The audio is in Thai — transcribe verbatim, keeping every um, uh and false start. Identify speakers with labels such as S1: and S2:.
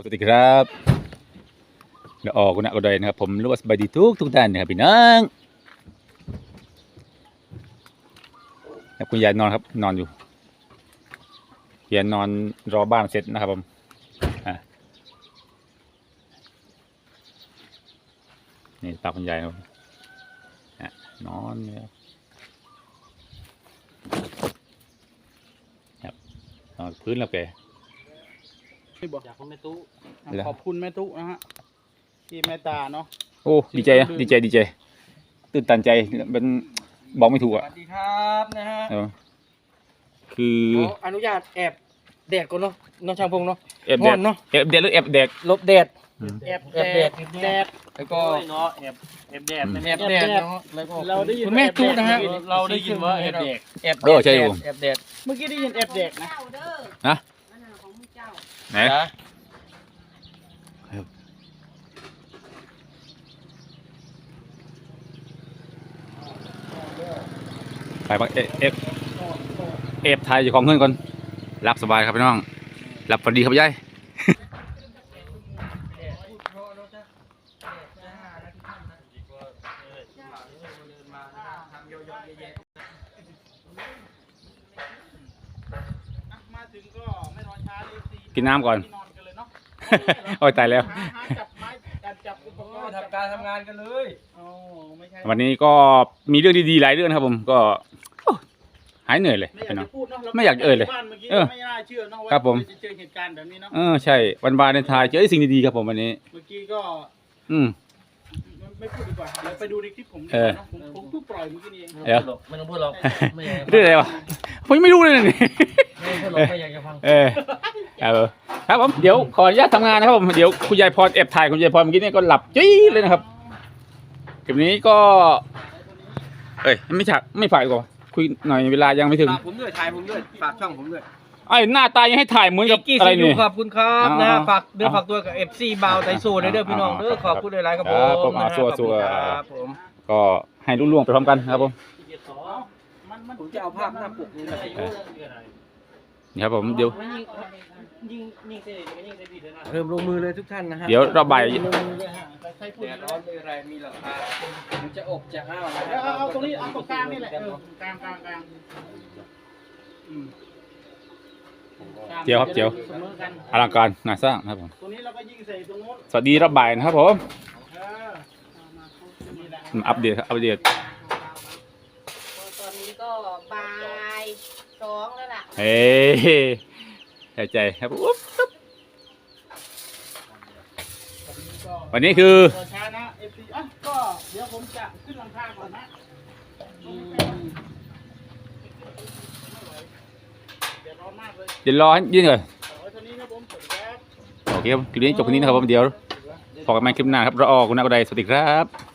S1: สวัสดีครับเดี๋ยวออกกุณะก็ได้นะครับผมรู้ว่าสบายดีทุกทุกท่านนะครับพี่น้องครับคุณยายนอนครับนอนอยู่คุณยายนอนรอบ้านเสร็จนะครับผมอ่ะนี่ตาคุณยายครับอ่ะนอนครับนอนพื้นแล้วแก
S2: อยากคุณแม่ตู้ขอบคุณแม่ตู้นะฮะที่แม่ตาเนาะ
S1: โอ้ดีใจนะดีใจดีใจตื่นตันใจเป็นบอกไม่ถูก
S2: ส
S1: อ่ะ
S2: วัสดีครับนะฮะ
S1: คือ
S2: อนุญาตแอบแดดก่อนเนาะน้องช่างพงเนาะ
S1: แอบแดดเนาะแอบแดดหรือแอบแดด
S2: ลบแดด
S3: แอบ
S2: แอบแดดแดด
S3: แล้วก็เนาะแอบแอบแดด
S2: แอบแดดเนาะแล้วก็
S3: เราได้ยิน
S2: คุณแม่ตู้นะฮะ
S3: เราได้ยินว่าแอบแดด
S2: แอบแดดแอบแดดเมื่อกี้ได้ยินแอบแดดนะ
S1: นะไหนไปบักเอฟเอฟเอฟไทยอยู่ของเงินก่อนรับสบายครับพี่น้องรับพอดีครับยายกินน้ำก่อนโอ้ยตายแล้ว
S2: ทำการทำงานกันเลย
S1: วันนี้ก็มีเรื่องดีๆหลายเรื่องครับผมก็หายเหนื่อยเลยพี่น้องไม่อยากเอ่ยเลยเออครับผม
S2: เจอเหตุการณ์แบบนี้เนาะ
S1: เออใช่วันวาเลนไทน์เจอสิ่งดีๆครับผมวันนี้
S2: เมื่อกี้ก็
S1: อืม
S2: ไม่พูดดีกว่าเดี๋ยวไปดูในคลิปผมดีกว่าผมผมเพิ่งปล่อยเมื่อกี้เอง
S1: เดี๋ยว
S3: ไม่ต้องพูดหรอก
S1: เรื่องอะไรวะผมไม่รู้เลยนี่
S3: ไม่พูดหรอกไม่อยากจะฟัง
S1: เออครับผมเดี๋ยวขออนุญาตทำงานนะครับผมเดี๋ยวคุณยายพรแอบถ่ายคุณยายพรเมื่อกี้เนี่ยก็หลับจี้เลยนะครับคลิปนี้ก็เอ้ยไม่ฉากไม่ฝ่ายก่อนคุยหน่อยเวลายังไม่ถึง
S2: ฝากผมด้วยถ่ายผมด้วยฝากช่องผมด้วย
S1: ไอ้หน้าตายังให้ถ่ายเหมือนกับอะไรนี่
S2: ขอบคุณครับนะฝากเดือฝากตัวกับเอฟซีบาวไทโซ่เด้อพี่น้องเด้อขอบคุณหลายๆครับผม
S1: ครับผมก็ให้รุ่ล่วงไปพร้อมกันครับผม
S2: ผมจะเอาภาพหน้าปกนี้มา
S1: นี่ครับผมเดี๋ยว
S2: เริ่มลงมือเลยทุกท่านนะฮะ
S1: เดี๋ยวเราใบ
S2: แดดร้อนเลยอะไรมีราคามันจะอบจะอ้าวเอาตรงนี้เอาตรงกลางนี่แหละกลางกลางกลาง
S1: เจียวครับเจียวอลังการงานสร้างครับผม
S2: ตรงนี้เราก็ยิงใส่ตรงโน้น
S1: สวัสดีรับบ่ายนะครับผมอัปเดตอัปเดต
S4: ตอนนี้ก็บ่ายสองแล้วล่ะ
S1: เฮ้ยใจครับอุ๊บวันนี้คือ
S2: ช้านะเอฟซีอ่ะก็เดี๋ยวผมจะขึ้นหลังคาก่อนนะเดี๋ยวร้อนมากเลย
S1: เดี๋ยวรอยืนก่อน
S2: โอเค
S1: ครับคลิปนี้จบคลิปนี้นะครับผมเดี๋ยวพบกันใหม่คลิปหน้าครับรอออกคุณนักใดสวัสดีครับ